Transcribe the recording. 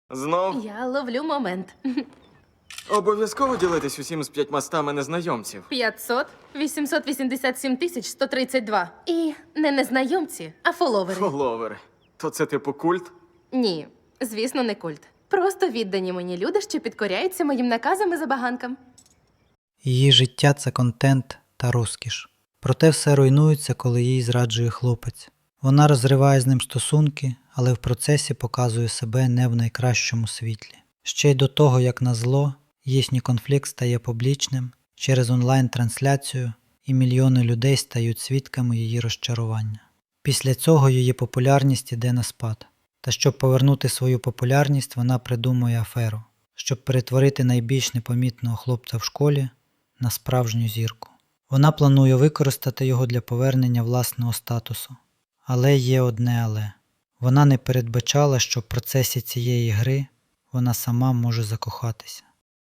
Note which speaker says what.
Speaker 1: Знов?
Speaker 2: Я ловлю момент.
Speaker 1: Обов'язково ділитись усім з 500 незнайомців.
Speaker 2: 500, 887 тисяч 132. І не незнайомці, а фоловери.
Speaker 1: Фоловери. То це типу культ?
Speaker 2: Ні, звісно, не культ. Просто віддані мені люди, що підкоряються моїм наказам і забаганкам.
Speaker 3: Її життя – це контент та розкіш. Проте все руйнується, коли їй зраджує хлопець. Вона розриває з ним стосунки, але в процесі показує себе не в найкращому світлі. Ще й до того, як назло, їхній конфлікт стає публічним через онлайн-трансляцію, і мільйони людей стають свідками її розчарування. Після цього її популярність іде на спад. Та щоб повернути свою популярність, вона придумує аферу, щоб перетворити найбільш непомітного хлопця в школі на справжню зірку. Вона планує використати його для повернення власного статусу. Але є одне але. Вона не передбачала, що в процесі цієї гри вона сама може закохатися.